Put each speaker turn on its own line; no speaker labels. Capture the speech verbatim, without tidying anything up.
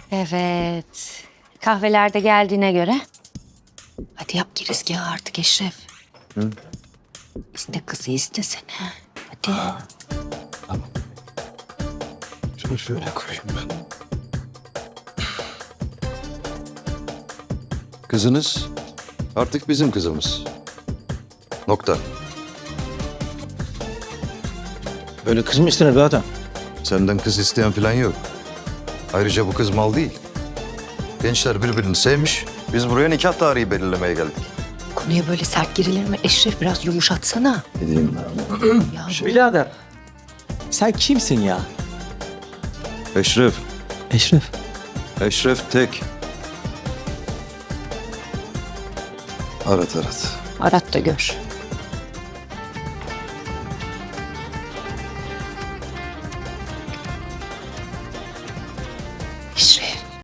Evet. Kahveler de geldiğine göre. Hadi yap girizgahı artık Eşref.
Hı?
İste kızı istesene. Hadi.
Tamam. Şunu şöyle koyayım ben. Kızınız artık bizim kızımız. Nokta.
Öyle kız mı istenir be adam?
Senden kız isteyen falan yok. Ayrıca bu kız mal değil. Gençler birbirini sevmiş. Biz buraya nikah tarihi belirlemeye geldik.
Konuya böyle sert girilir mi? Eşref biraz yumuşatsana.
Ne diyeyim
Ya bu-
Birader, sen kimsin ya?
Eşref.
Eşref.
Eşref Tek. Arat arat.
Arat da gör.